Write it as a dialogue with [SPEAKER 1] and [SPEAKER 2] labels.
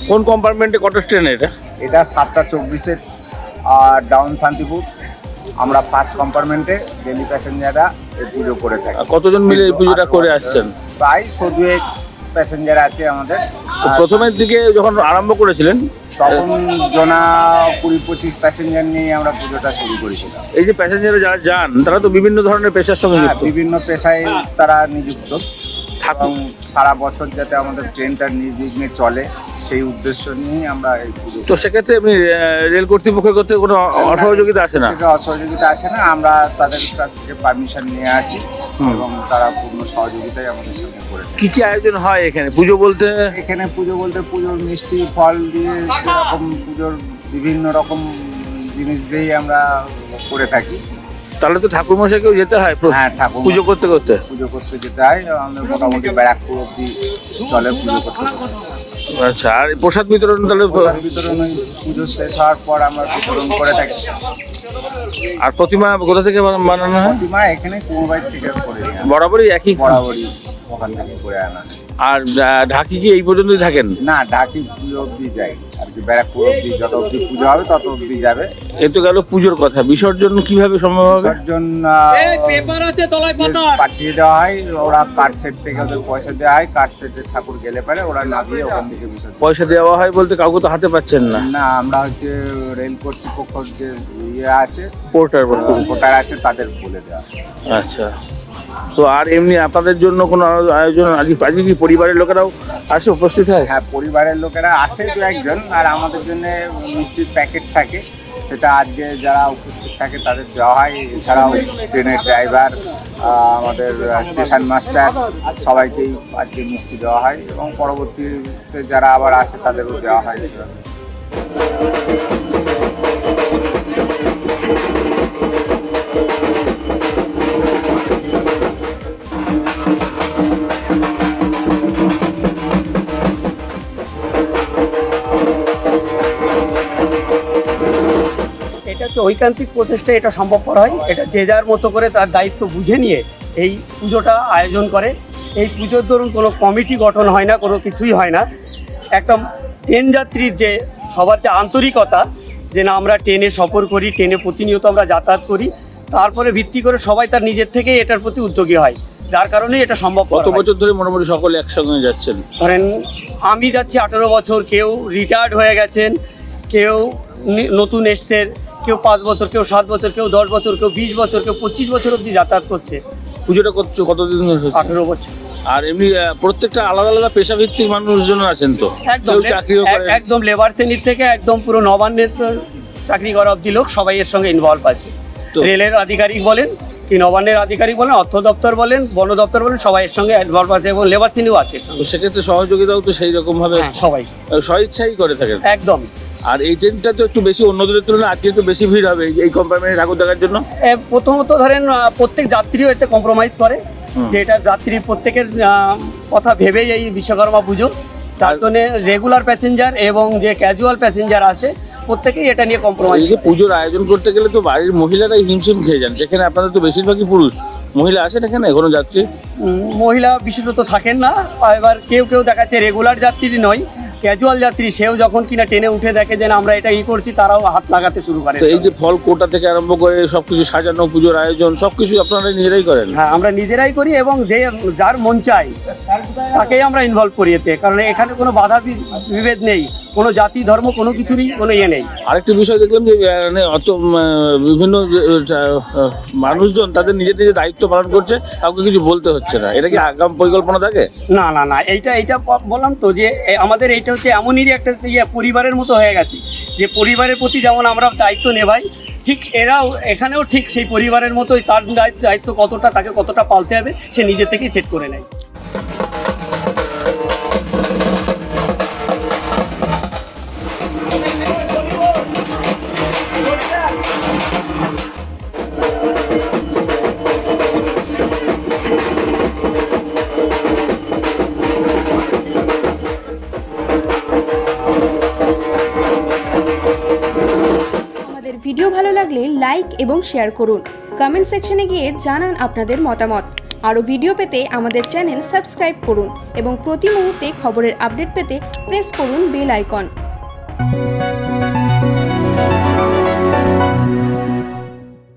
[SPEAKER 1] কোন কম্পার্টমেন্টে কটা ট্রেন এটা?
[SPEAKER 2] এটা 7:24 আর ডাউন শান্তিপুর। আমরা ফার্স্ট কম্পার্টমেন্টে ডেলি প্যাসেঞ্জাররা এই পুজো করে থাকি।
[SPEAKER 1] আর কতজন মিলে এই পুজোটা করে আসছেন?
[SPEAKER 2] প্রায় 100 প্যাসেঞ্জার আছে আমাদের।
[SPEAKER 1] তো প্রথমের দিকে যখন আরম্ভ করেছিলেন
[SPEAKER 2] তখন জনা 20-25 প্যাসেঞ্জার নিয়ে আমরা পুজোটা শুরু করেছিলাম।
[SPEAKER 1] এই যে প্যাসেঞ্জার যারা যান তারা তো বিভিন্ন ধরনের পেশার সঙ্গে
[SPEAKER 2] হ্যাঁ,
[SPEAKER 1] যুক্ত।
[SPEAKER 2] বিভিন্ন পেশায় তারা নিযুক্ত এবং
[SPEAKER 1] ঠাকুর
[SPEAKER 2] সারা বছর যাতে আমাদের ট্রেনটা নির্বিঘ্নে চলে সেই উদ্দেশ্য নিয়ে আমরা এই পুজো।
[SPEAKER 1] তো সেক্ষেত্রে আপনি রেল কর্তৃপক্ষের করতে কোনো অসহযোগিতা আসে না?
[SPEAKER 2] থেকে অসহযোগিতা আসে না, আমরা তাদের কাছ থেকে পারমিশন নিয়ে আসি এবং তারা পূর্ণ সহযোগিতাই আমাদের সঙ্গে করে দেয়।
[SPEAKER 1] কি কি আয়োজন হয় এখানে পুজো বলতে?
[SPEAKER 2] এখানে পুজো বলতে পুজোর মিষ্টি ফল দিয়ে সেরকম পুজোর বিভিন্ন রকম জিনিস দিয়েই আমরা করে থাকি।
[SPEAKER 1] তাহলে তো ঠাকুর মশাইকেও যেতে হয়
[SPEAKER 2] হ্যাঁ, ঠাকুর
[SPEAKER 1] পুজো করতে করতে।
[SPEAKER 2] পুজো করতে যেতে হয়। আমাদের মোটামুটি ব্যারাকপুর অব্দি চলে পুজো করতে করতে।
[SPEAKER 1] আচ্ছা, আর এই প্রসাদ বিতরণ তাহলে
[SPEAKER 2] প্রসাদ বিতরণ ওই পুজো শেষ হওয়ার পর আমরা বিতরণ করে থাকি।
[SPEAKER 1] আর প্রতিমা কোথা থেকে বানানো হয়?
[SPEAKER 2] প্রতিমা এখানে কুমোরবাড়ি থেকে করে নিয়ে আসা।
[SPEAKER 1] বরাবরই একই?
[SPEAKER 2] বরাবরই ওখান থেকে করে আনা।
[SPEAKER 1] আর ঢাকি কি এই পর্যন্তই থাকেন?
[SPEAKER 2] না, ঢাকি পুজো অব্দি যাই আর কি, ব্যারাকপুর অব্দি যত অব্দি পুজো হবে তত অব্দি যাবে।
[SPEAKER 1] এ তো গেল পুজোর কথা। বিসর্জন কিভাবে সম্ভব হবে?
[SPEAKER 2] বিসর্জন পাঠিয়ে দেওয়া হয়, ওরা কার্ড সেট থেকে ওদের পয়সা দেওয়া হয়, কার্ড সেটে ঠাকুর গেলে পারে ওরা না দিয়ে ওখান থেকে বিসর্জন।
[SPEAKER 1] পয়সা দেওয়া হয় বলতে কাউকে তো হাতে পাচ্ছেন না?
[SPEAKER 2] না, আমরা হচ্ছে রেল কর্তৃপক্ষ যে ইয়ে আছে
[SPEAKER 1] পোর্টার
[SPEAKER 2] ভোটার আছে তাদের বলে দেওয়া।
[SPEAKER 1] আচ্ছা, তো আর এমনি আপনাদের জন্য কোনো আয়োজন আজকে কি পরিবারের লোকেরাও আসে, উপস্থিত হয়?
[SPEAKER 2] হ্যাঁ, পরিবারের লোকেরা আসে দু একজন, আর আমাদের জন্য মিষ্টির প্যাকেট থাকে, সেটা আজকে যারা উপস্থিত থাকে তাদের দেওয়া হয়। এছাড়াও ট্রেনের ড্রাইভার, আমাদের স্টেশন মাস্টার সবাইকেই আজকে মিষ্টি দেওয়া হয় এবং পরবর্তীতে যারা আবার আসে তাদেরও দেওয়া হয়।
[SPEAKER 3] এটা হচ্ছে ঐকান্তিক প্রচেষ্টা, এটা সম্ভবপর হয়। এটা যে যার মতো করে তার দায়িত্ব বুঝে নিয়ে এই পুজোটা আয়োজন করে। এই পুজোর দরুন কোনো কমিটি গঠন হয় না, কোনো কিছুই হয় না। একটা ট্রেন যাত্রীর যে সবার যে আন্তরিকতা, যে না আমরা ট্রেনে সফর করি, ট্রেনে প্রতিনিয়ত আমরা যাতায়াত করি, তারপরে ভিত্তি করে সবাই তার নিজের থেকে এটার প্রতি উদ্যোগী হয়, যার কারণে এটা সম্ভব।
[SPEAKER 1] কত বছর ধরে মোটামুটি সকলে একসঙ্গে যাচ্ছেন?
[SPEAKER 3] ধরেন আমি যাচ্ছি 18 বছর, কেউ রিটায়ার্ড হয়ে গেছেন, কেউ নতুন এসছেন, কেউ 5 বছর, কেউ 7 বছর, কেউ 10 বছর, কেউ 20 বছর, কেউ 25 বছর অবধি যাতায়াত করছে।
[SPEAKER 1] পুজোটা কতদিন ধরে হচ্ছে?
[SPEAKER 3] 18 বছর।
[SPEAKER 1] আর এমনি প্রত্যেকটা আলাদা আলাদা পেশাভিত্তিক মানুষজন আছেন তো?
[SPEAKER 3] একদম
[SPEAKER 1] কেউ চাকরিও করে?
[SPEAKER 3] একদম লেবার শ্রেণীর থেকে একদম পুরো নবান্নের চাকরি করা অবধি লোক সবাই এর সঙ্গে ইনভলভ আছে। রেলের আধিকারিক বলেন কি, নবান্নের আধিকারিক বলেন, অর্থ দপ্তর বলেন, বন দপ্তর বলেন, সবাই এর সঙ্গে ইনভলভ আছে এবং লেবার শ্রেণীও আছে।
[SPEAKER 1] তো সেক্ষেত্রে সহযোগিতাও তো সেই রকম ভাবে
[SPEAKER 3] সবাই
[SPEAKER 1] স্বইচ্ছাই করে থাকেন
[SPEAKER 3] একদম।
[SPEAKER 1] আর এই ট্রেনটা তো একটু বেশি অন্য দিনের তুলনায় আজকে একটু বেশি ভিড় হবে এই কম্পার্টমেন্টে ঠাকুর দেখার জন্য।
[SPEAKER 3] প্রথমত ধরেন প্রত্যেক যাত্রীও এতে কম্প্রোমাইজ করে, যে এটা যাত্রী প্রত্যেকের কথা ভেবেই এই বিশ্বকর্মা পুজো। তার জন্য রেগুলার প্যাসেঞ্জার এবং যে ক্যাজুয়াল প্যাসেঞ্জার আসে প্রত্যেকেই এটা নিয়ে কম্প্রোমাইজ।
[SPEAKER 1] এই যে পুজোর আয়োজন করতে গেলে তো বাড়ির মহিলারাই হিমশিম খেয়ে যান, সেখানে আপনাদের তো বেশিরভাগই পুরুষ। মহিলা আসেন এখানে কোনো যাত্রী?
[SPEAKER 3] মহিলা বিশেষত থাকেন না। এবার কেউ কেউ দেখাচ্ছে রেগুলার যাত্রী নয়, ক্যাজুয়াল যাত্রী, সেও যখন কিনা ট্রেনে উঠে দেখে যে আমরা এটা করছি, তারাও হাত লাগাতে শুরু করে।
[SPEAKER 1] তো এই যে ফল কোটা থেকে আরম্ভ করে সবকিছু সাজানো, পুজোর আয়োজন সবকিছু আপনারা নিজেরাই করেন?
[SPEAKER 3] হ্যাঁ, আমরা নিজেরাই করি এবং যে যার মন চাই তাকেই আমরা ইনভলভ করি এতে, কারণ এখানে কোনো বাধা বিভেদ নেই, কোনো জাতি ধর্ম কোনো কিছুরই কোনো ইয়ে নেই।
[SPEAKER 1] আরেকটি বিষয় দেখলাম যে মানে অত বিভিন্ন মানুষজন তাদের নিজের নিজের দায়িত্ব পালন করছে, কাউকে কিছু বলতে হচ্ছে না। এটা কি আগাম পরিকল্পনা থাকে?
[SPEAKER 3] না না না, এইটা বললাম তো যে আমাদের এইটা হচ্ছে এমনই একটা পরিবারের মতো হয়ে গেছে, যে পরিবারের প্রতি যেমন আমরা দায়িত্ব নেভাই, ঠিক এরাও এখানেও ঠিক সেই পরিবারের মতোই তার দায়িত্ব কতটা, তাকে কতটা পালতে হবে সে নিজে থেকেই সেট করে নেয়।
[SPEAKER 4] ভিডিও ভালো লাগলে লাইক এবং শেয়ার করুন। কমেন্ট সেকশনে গিয়ে জানান আপনাদের মতামত। আরও ভিডিও পেতে আমাদের চ্যানেল সাবস্ক্রাইব করুন এবং প্রতি মুহূর্তে খবরের আপডেট পেতে প্রেস করুন বেল আইকন।